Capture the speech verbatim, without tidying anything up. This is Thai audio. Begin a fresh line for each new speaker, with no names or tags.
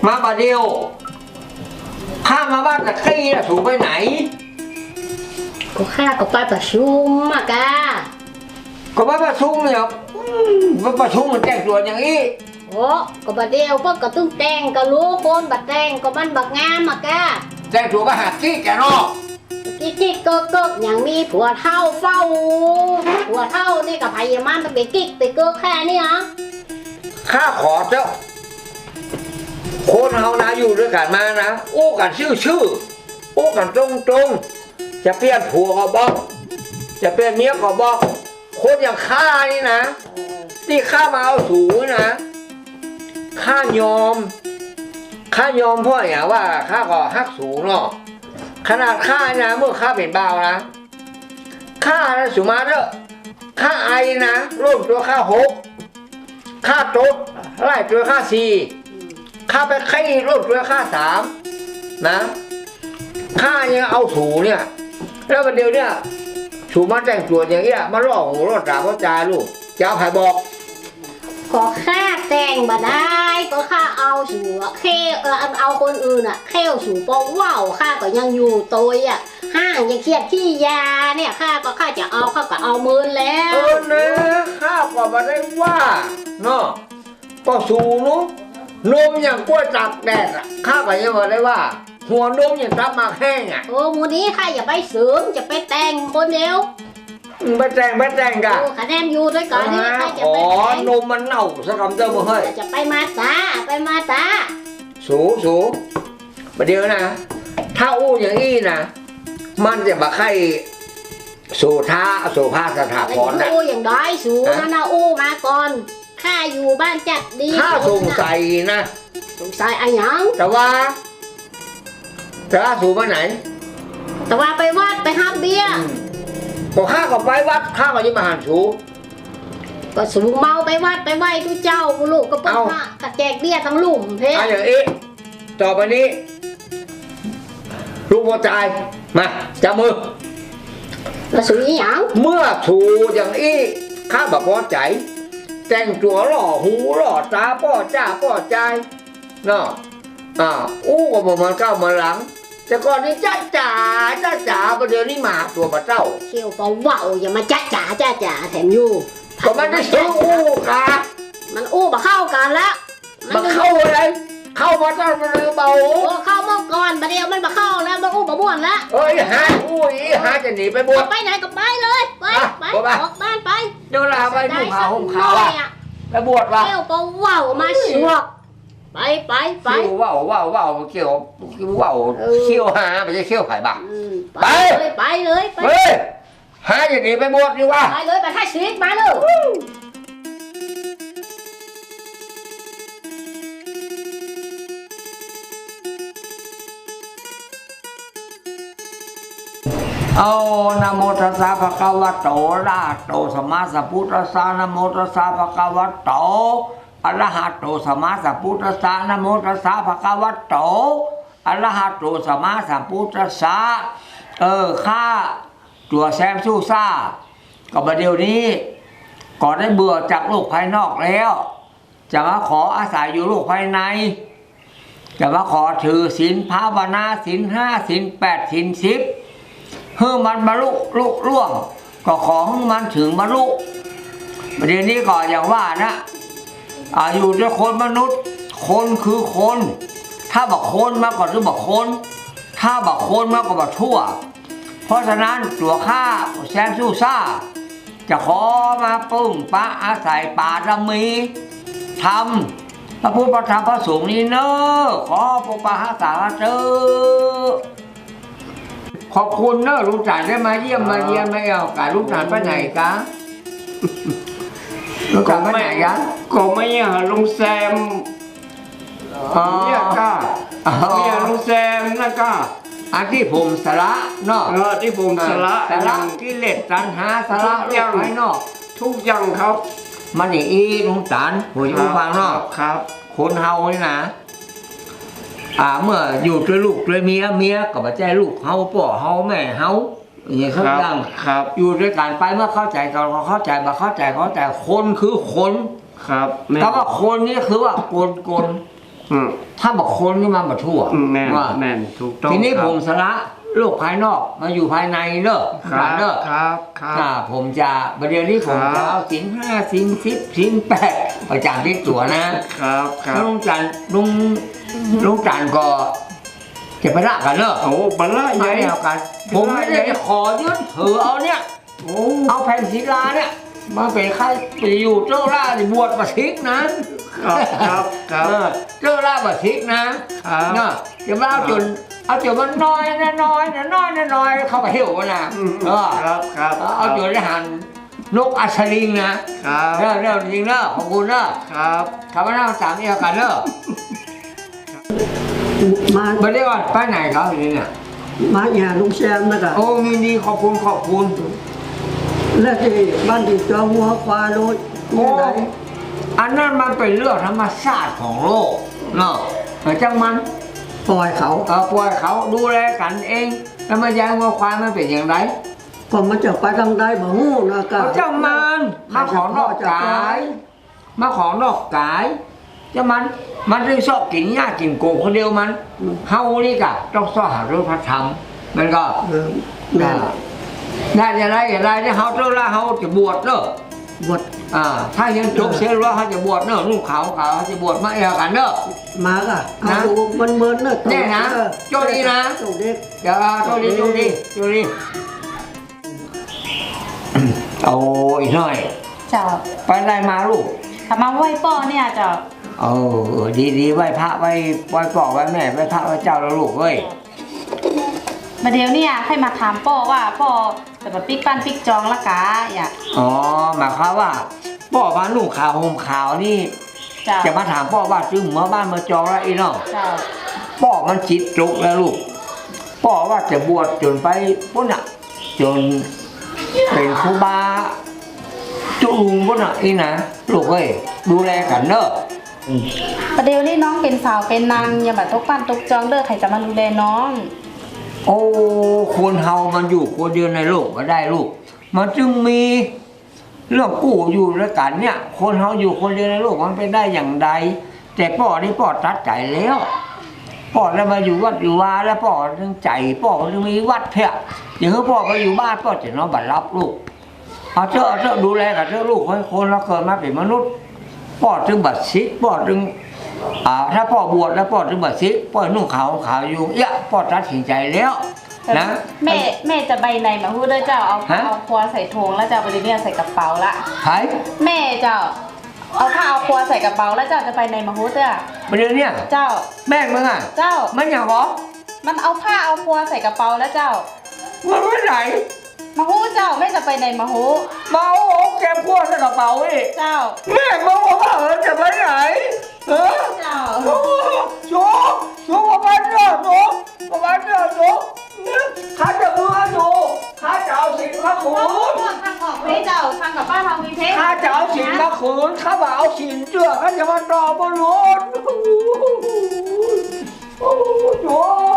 มาบาเดียวข้ามาบ้านตะกี้น่ะถูกไปไหน
ก็ข้าก็ไปประชุมมากะ
ก็ไปประชุมเนี่ยไปประชุมมันแจ้งตัวอย่างนี้
โอ้ก็บาเดียวพวกก็ต้องแต่งก็รู้คนบัดแต่งก็มันบักงามมากะ
แจ้งตัวก็หากี้แกนอก
กิ๊กกิ๊กเกิกเกิกอย่างมีผัวเท่าเฝ้าผัวเท่านี่กับพายามันไปกิ๊กไปเกิกแค่นี้เหรอ
ข้าขอเจ้าคนเฮานะอยู่ด้วยกันมานะโอ้กันชื่อชื่อโอ้กันตรงตรงจะเปลี่ยนผัวก็บอกจะเปลี่ยนเมียก็บอกคนอย่างข้านี่นะที่ข้ามาเอาสูงนะข้ายอมข้ายอมเพราะอย่างว่าข้าก็ฮักสูงเนาะขนาดข้านะเมื่อข้าเป็นบ่าวนะข้านะสุมาเถอะข้าไอนะร่วมตัวข้าหกข้าตดไล่ตัวข้าสี่ข้าไปไข่ร่วมตัวข้าสามนะข้ายังเอาสูเนี่ยแล้ววันเดียวเนี่ยสูมาแต่งตัวอย่างเงี้ยมาล่อหูล่อตาพ่อจาลูกเจ้าไผ่บอก
ก็ข้าแต่งบ่ได้ก็ข้าเอาสูเข่เออเอาคนอื่นอ่ะเข่สูปองว่าวข้าก็ยังอยู่ตัวอ่ะห้างยังเครียดที่ยาเนี่ยข้าก็ข้าจะเอาข้าก็เอามือแล้ว
เออนะข้าก็มาได้ว่าเนาะก็สูนุนมอย่างกล้วยตักแดดอ่ะข้าก็ยังมาได้ว่าหัวนมอย่างตับมาแห้งอ่ะ
โอ้มูนี้ข้าอย่าไปเสริมจะไปแต่งคนเดียว
ไปแต่งไปแต่งกัน
คะแนนอยู่ด้วยก่อนนี่ข้าจะไป
แต่งอ๋อนมมันเน่าสักคำเติมมาเฮ้ย
จะไปมาตาไปมาตา
สูสูประเดี๋ยวนะถ้าอู้อย่างนี้นะมันจะมาไข่สูท้าสูภาสถาพรนะ
อู้อย่างด้อยสูนะนะอู้มาก่อนข้าอยู่บ้านจัดดี
ข้าสงสัยนะ
สงสัยอะไรยัง
แต่ว่าแต่ว่าสูไปไหน
แต่ว่าไปวัดไปห้ามเบี้ย
พอข้าก็ไปวัดข้าก็ยิ่งมาหันสู
ก็สูงเมาไปวัดไปไหว้ทุกเจ้าลูกก็เปิ้ลพระกระแจกเบี้ยทั้งลุ่มเพ่
เอาอย่างนี้ต่อไปนี้ลูกพ่อใจมาจับมือ
แล้วสูงอย่าง
เมื่อถูอย่างนี้ข้าบอกพอใจแต่งตัวหล่อหูหล่อตาป้อจ้าป้อใจเนาะอ่าอู้ก็บอกมันก้าวมาหลังแต่ก่อนนี้จ้าจ๋าจ้าจ๋าประเดี๋ยวนี้มาตัวมาเจ้า
เชี่ยวปอว่าวอย่ามาจ้าจ๋าจ้าจ๋าแถมอยู่
ก็มันได้ซื้ออู้ค่ะ
มันอู้มาเข้ากันแล้ว
มาเข้าอะไรเข้ามาตั้งมันเบา
โอ้เข้าเมื่อก่อนประเดี๋ยวมันมาเข้าแล้วมันอู้มาบ้วนแล้ว
เอ้ยฮะอู้อีฮะจะหนีไปบวช
ไปไหนก็ไปเลยไปไปออกบ้านไป
เดี๋ยวลาไปดูข่าวห่มข่าวไปบวชว่ะ
เชี่ยวปอว่าวมาสวกไปไปไป
ว่าวว่าวว่าวเกี่ยวว่าวเขี้ยวหาไม่ใช่เขี้ยวไผ่บัก
ไปเลยไปเลย
ไปหาอย่างนี้ไปบวชดีว่า
ไปเลยไปท่าชีวิตมาเลย
เอานะโมตัสสะภะคะวะโตอะระหะโตสัมมาสัมพุทธัสสะนะโมตัสสะภะคะวะโตอะระหะโตสัมมาสัมพุทธัสสะนะโมตัสสะภะคะวะโตอะระหะโตสัมมาสัมพุทธัสสะเออข้าตัวแซมสู้ซ่าก็ประเดี๋ยวนี้ก่อนได้เบื่อจากโลกภายนอกแล้วจะมาขออาศัยอยู่โลกภายในจะมาขอถือศีลภาวนาศีลห้าศีลแปดศีลสิบเพื่อมันบรรลุลุล่วงก็ขอให้มันถึงบรรลุประเดี๋ยวนี้ก็อย่างว่านะอยู่ด้วยคนมนุษย์คนคือคนถ้าบอกคนมาก่อนหรือบอกคนถ้าบอกคนมาก็บอกชั่วเพราะฉะนั้นตัวข้าแซมสู้ซ่าจะขอมาปึ้งปะอาศัยป่าดมีทำพระพุทธพระธรรมพระสงฆ์นี้เนอะขอปกปักรักษาเจ้าขอบคุณเนอะลุงจันได้มาเยี่ยมมาเยี่ยมไม่เอาการลุงจันไปไหนกะลุงจันไปไหนกะ
ก็ไม่อยากลุงแซมเนี่ยก้าไม่อยากลุงแซมนะก้า
อันที่ผมสละเนาะ
เออที่ผมสละ
สละกิเลสตัณหาสละโลกภายนอก
ทุกอย่างครับ
มันอย่างอีลุงจันผมจะฟังเนาะ
ครับ
คนเฮานี่นะอ่าเมื่ออยู่ด้วยลูกด้วยเมียเมียกับใจลูกเฮาพ่อเฮาแม่เฮาอย่างนี้เขาดังอยู่ด้วยกันไปเมื่อเข้าใจกันเขาเข้าใจมาเข้าใจเขาแต่คนคือคน
ครับ
แต่ว่าคนนี่คือว่าโกนโกน
อืม
ถ้าบอกคนก็มาบทั่ว
อืมแน่น
ว่า
แน่นถูกต้อง
ทีนี้
ครับ
ผมสละโลกภายนอกมาอยู่ภายในเนอะ
ครับ
เนอะ
ครับครับ
อ่าผมจะประเดี๋ยวนี้ผม
ครับ
จะเอาสินห้าสินสิบสินแปดประจำที่ตัวนะครับ
ครั
แล้ว
บ
ลุงจันทร์ลุงลุงจันทร์ก็จะไปละกันเนอะ
โอ้บรรละให
ไม่
ญ่
เอากัน ผมไม่ได้จะขอยึดถือเอาเนี่ย
โอ้
เอาแผ่นศิลาเนี่ยมาเป็นค่าไปอยู่เจ้าล่าที่บวชประชิกนะครับ
ครับครับ
เออเจ้าล่าประชิกนะครับ เนาะจะมาเอาจนเอาจนมันน้อยนะน้อยนะน้อยนะน้อยเข้าไปเหี่ยวกันนะ
อืม
เออ
ครับครับ
เอาจนได้หันนกอัศริงนะครับ เรื่องเรื่องจริงเนอะขอบคุณเนอะ
ครับ
คำว่าน้าสามเอียกันเนอะ
มา
มาได้ก่อนไปไหนครับทีนี้เนี่ย
มาหาลุงแซมนะกะ
โอ้มีดีขอบคุณขอบคุณ
แล้วที่บ้านที่จอหัวควายโรย
โอ้
นี่ไหน
อันนั้นมันเป็นเรื่องธรรมชาติของโลกเนาะแต่จังมัน
ปล่อยเขา
เออปล่อยเขาดูแลกันเอง แล้วมาย้ายวัวควายมันเป็นอย่างไร
ก็มันจะไปทางใดบ่ฮู้นะกะ
เขาเจ้ามันมาของนอกกาย มาของนอกกายเจ้ามันมันถึงชอบกินหญ้ากินโกงคนเดียวมันเฮานี่กะต้องสอหาเรื่องพระธรรมมันก็
เออแม่
ได้อย่างไรอย่างไรที่เฮาเจ้าละเฮาจะบวชเนอะ
บวช
อ่าถ้ายังจบเสียแล้วเขาจะบวชเนอะลูกเขาเขาจะบวชมาเอวกันเนอะ
มากะเอา
นะ
ดูมันเมินเนอะ
แน่นะ
เออ
โจดีนะ
โจดี
เดี๋ยวโจดีโจดีโจดีเอาอีกหน่อย
เจ้า
ไปได้มาลูก
ถ้ามาไหว้ป้อเนี่ยเจ้า
เออดีดีไหว้พระไหว้ไหว้พ่อไหว้แม่ไหว้พระไหว้เจ้าแล้วลูกเว้ย
มาเดี๋ยวเนี่ยให้มาถามป้อว่าป้อจะมาปิ๊กปั้นปิ๊กจองละกาอย่า
อ๋อหมายความว่าพ่อมาหนุ่งขาวห่มขาวนี่
เจ้า
จะมาถามพ่อว่าซื้อหมาบ้านมาจองแล้วอีน้อง
เจ้า
พ่อมันจิตจุกแล้วลูกพ่อว่าจะบวชจนไปพุ่นอ่ะจนเป็นครูบาจุลุงพุ่นอ่ะอีนะลูกเอ้ยดูแลกันเนอะ
ประเดี๋ยวนี้น้องเป็นสาวเป็นนางอย่ามาตกปั้นตกจองเด้อใครจะมาดูแลน้อง
โอ้คนเฮามันอยู่คนเดียวในโลกก็ได้ลูก มันจึงมีเรื่องกู้อยู่ด้วยกันเนี่ย คนเฮาอยู่คนเดียวในโลกมันเป็นได้อย่างใด แต่พ่อนี่พ่อตัดใจแล้วพ่อแล้วมาอยู่วัดอยู่วาแล้วพ่อถึงใจพ่อถึงมีวัดเพียอย่างนี้พ่อก็อยู่บ้านพ่อจะนอนบัดรับลูกเอาเถอะเอาเถอะดูแลกับเถอะลูกให้คนเราเกิดมาเป็นมนุษย์พ่อถึงบัดซิกพ่อถึงอ่าถ้าพ่อบวชแล้วพ่อถึงบัดซิกพ่อนุ่งขาวขาวอยู่เยอะพ่อตัดสินใจแล้วนะ
แม่แม่จะใบไหนมาพูดด้วยเจ้าเอาผ้า
ฮะ
เอาครัวใส่ถุงแล้วเจ้าประเดี๋ยวเนี่ยใส่กระเป๋าละ
ไผ่
แม่เจ้าเอาผ้าเอาครัวใส่กระเป๋าแล้วเจ้าจะไปไหนมาพูดเจ้า
ประเดี๋ยวเนี้ย
เจ้า
แม่งมึงอ่ะ
เจ้า
มันอย่างหรอ
มันเอาผ้าเอาครัวใส่กระเป๋าแล้วเจ้า
มันไม่ไหน
มาฮู้เจ้าแม่จะไปไหนมาฮู้
เมาโอ้เก็บขวดใส่กระเป๋าอีก
เจ้า
แม่มึงบอกว่าเออจะไปไหนเออ
เจ้า
โอ้โจโจประมาณเนี้ยโจประมาณเนี้ยโจข้าจะมือโจข้าจะเอาสินข้าขืน
ทางออกเพเจ้าทางกับป้าทางมีเพ
ข้าจะเอาสินข้าขืนข้าบ่าเอาสินเจือข้าจะมาตอบบนรถโอ้โจ